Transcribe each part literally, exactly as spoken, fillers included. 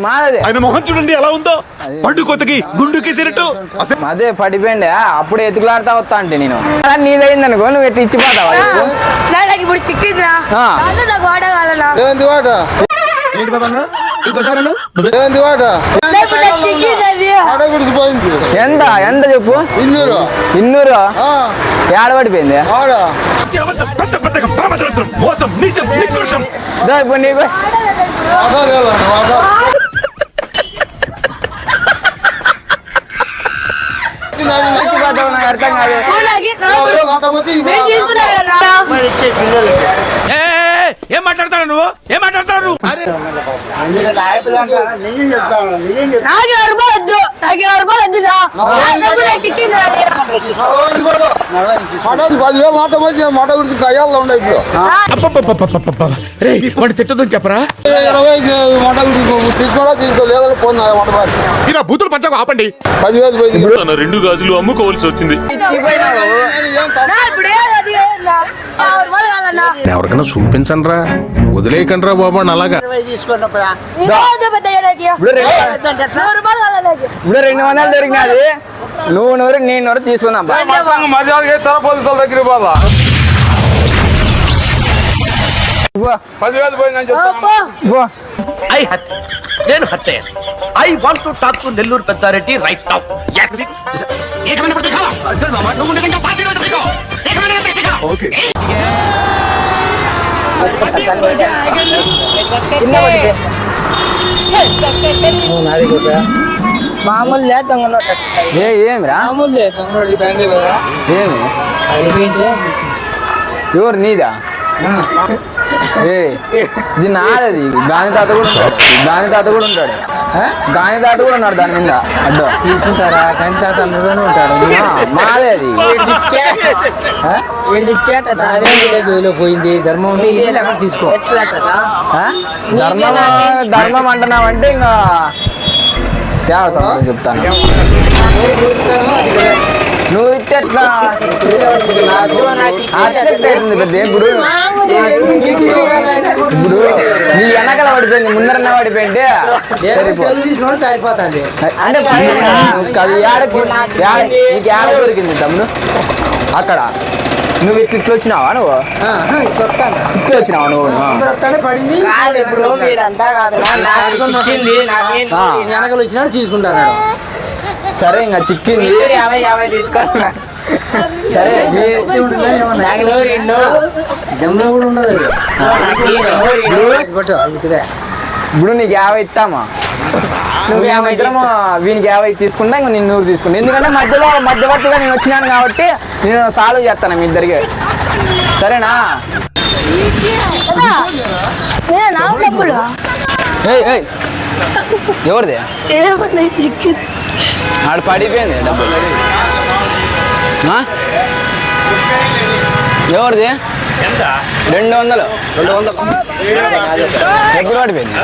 మాదే. ఆయన మొహం చూడండి ఎలా ఉందో, పండు కొత్తకి గుండుకి సిరట్టు. అదే పడిపోయింది, అప్పుడు ఎతుకులాడుతా వస్తా అంటే నేను నీదైంది అనుకో నువ్వు ఎట్లా ఇచ్చిపోతావా? ఇప్పుడు చిక్కిందా నాకు వాడగలనా? ఎంత ఎంత చెప్పు. ఇన్నూరు ఇన్నూరు ఏడ పడిపోయింది ఇప్పుడు నీకు నాకు అర్థం కాదు. ఏం మాట్లాడతాడు నువ్వు? ఏం మాట్లాడతాడు? వాడు తిట్టదని చెప్పరా? తీసుకోవడా తీసుకోలేదు పోనా బూతులు పంచకు ఆపండి. పదివేలు పోయింది. తన రెండు గాజులు అమ్ముకోవాల్సి వచ్చింది. ఎవరికైనా చూపించండి రా, వదిలేయకండి రా బాబు అలాగా. ఇప్పుడు రెండు వందలు దొరికినది, నువ్వు నూరు నేను నూరు తీసుకుందాం. దగ్గర బాబా పదివేలు పోయిందని చెప్తా. నేను హత్య. I want to talk to Nellore Peddareddy right now. Okay మామూలు ఏమిరా ఏమి ఎవరు నీదా? ఇది నాదది. గాని తాత కూడా ఉంటాడు, గాని తాత కూడా ఉంటాడు, గాని తాత కూడా ఉన్నాడు దాని మీద. అడ్డో తీసుకుంటారా? గాని తాత అందులోనే ఉంటాడు. మాదే అది. పోయింది ధర్మం తీసుకో. ధర్మం ధర్మం అంటున్నావంటే ఇంకా తేవతా చెప్తాను. నువ్వు ఇట్లా పెద్ద ఇప్పుడు ఇప్పుడు నీ వెనకాల పడిపోయింది, ముందరన్నా పడిపోయింటే సరిపోతుంది. అంటే అది ఏడకి నీకు ఏడ దొరికింది తమ్ముడు అక్కడ. నువ్వు ఇట్లా ఇట్లా వచ్చినావా? నువ్వు ఇట్లా వచ్చినావా? నువ్వు వెనకలు వచ్చినాడు తీసుకుంటాను. సరే ఇంకా చిక్కింది. సరే ఇప్పుడు నీకు యాభై ఇస్తామా? నువ్వు యాభై ఇద్దరము వీనికి యాభై తీసుకుంటా, ఇంకా నేను నూరు తీసుకుంటా. ఎందుకంటే మధ్యలో మధ్యవర్తిగా నేను వచ్చినాను కాబట్టి నేను సాల్వ్ చేస్తాను మీ ఇద్దరికి. సరేనా? ఎవరిది? ఆడ పడిపోయింది డబ్బులు. ఎవరిది? రెండు వందలు రెండు వందలు ఎప్పుడు పడిపోయింది?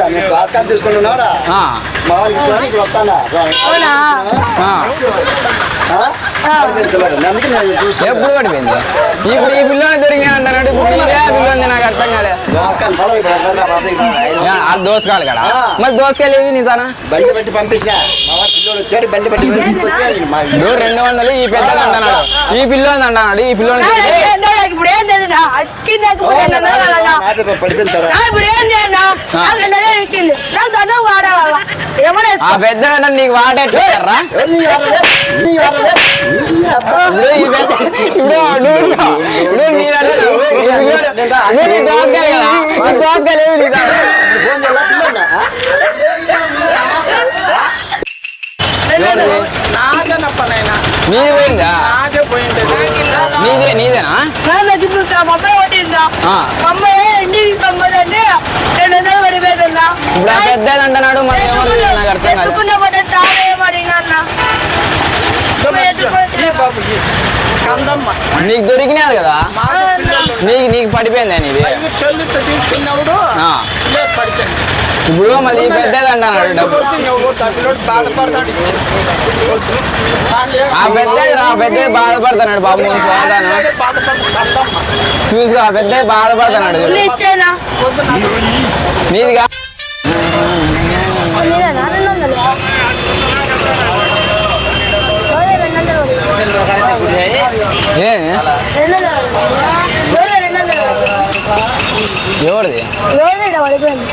ఎప్పుడు పడిపోయింది? ఇప్పుడు ఈ పిల్లని దొరికినా అంటున్నాడు. ఇప్పుడు నీదే పిల్లని నాకు అర్థం కాలేదు. ఆ దోసకాయలు కదా, మరి దోసకాయలు ఏవి నీ తన రెండు వందలు ఈ పెద్ద అంటున్నాడు, ఈ పిల్లని అంటున్నాడు. ఈ పిల్లని ఆ పెద్ద నీకు వాడేట్లేరా? ఇప్పుడు ఇప్పుడు నీ దోసకాయలు కదా, దోసకాయలు ఏమి నీది పోయిందా? నీదే నీదేనా? ఇప్పుడు ఆ పెద్దది అంటున్నాడు, మరి నాకు అర్థం నీకు దొరికినాది కదా, నీకు నీకు పడిపోయిందా నీది? ఇప్పుడు మళ్ళీ పెద్దది అంటున్నాడు డబ్బు. ఆ పెద్దది రా, పెద్దది బాధపడుతున్నాడు బాబు. పోతాను చూసుకో, ఆ పెద్దది బాధపడుతున్నాడు. నీదిగా మీరేనా రెండు వందలు ఏ రెండు వందలు రోజు రెండు వందలు ఎవరిది రోజు పడిపోయింది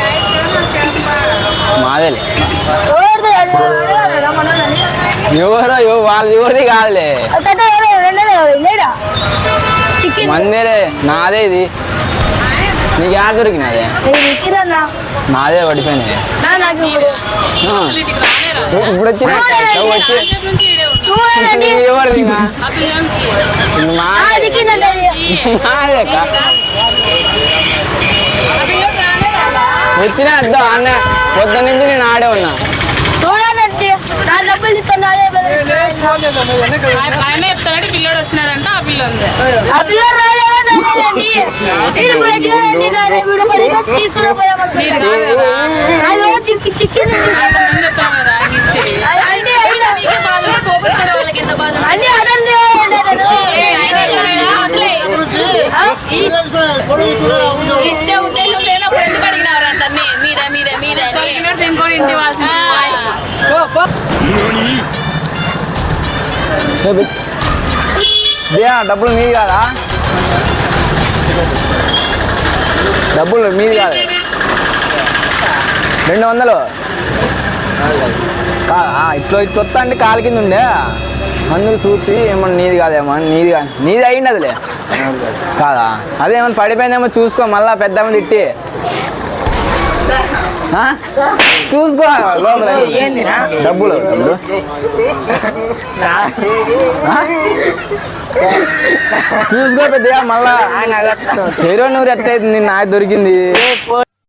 మాదేలే రోజు అడగాలి మనోళ్ళని ఎవరో ఎవ- వాళ్ళది ఎవరిది కాదులే రెండు వందలు లేదా చికెన్ మందేలే నాదే ఇది నీకు యాడ దొరికినదే విక్కిరన్నా నాదే పడిపోయినాయి నాకు ఇప్పుడు ఆ. ఇప్పుడు వచ్చిన వచ్చి చూడండి ఇది ఎవరిది ఇంకా? ఇది మా- అది కింద మాదే అక్క. వచ్చిన అద్దా అన్న పొద్దు నుంచి నేను ఆడే ఉన్నా చూడండి నా డబ్బులు ఇస్తాను అదే ఆయన చెప్తాడు పిల్లోడు వచ్చినాడంట ఆ పిల్ల ఉంది ఆ పిల్ల రాలేదండి నేను పోయి చూడండి నా వీడు పది రూపాయలు తీసుకుని పోయామంటారు చికెన్ ముందు చెప్తాను కదా ఆయన ఇచ్చేయి. అన్ని నీకే బాధ ఉంటే పోగొట్టుకునే వాళ్ళకి ఎంత బాధ ఉంటుంది. అన్ని అదండి ఆయనే కదా, వదిలేయ్. ఈ- ఇచ్చే ఉద్దేశం లేనప్పుడు ఎందుకు అడిగినారు అంట మీదే మీదే మీదే అని. ఇంకోటి ఇంటి వాళ్ళ దియా డబ్బులు మీది కాదా డబ్బులు మీది కాదు రెండు వందలు కాదా ఇట్లా ఇట్లా వస్తా అంటే కాలు కింద ఉండే అందుకు చూసి ఏమన్నా నీది కాదేమో అని నీది కాదు నీది అయ్యింది అదిలే కాదా అదేమన్నా పడిపోయిందేమో చూసుకో మళ్ళా పెద్ద తిట్టి ఆ? చూసుకో లోపల డబ్బులు డబ్బులు ఆ? చూసుకో పెద్దగా మళ్ళా చెరువు నూరు ఎట్టయితుంది నాకు దొరికింది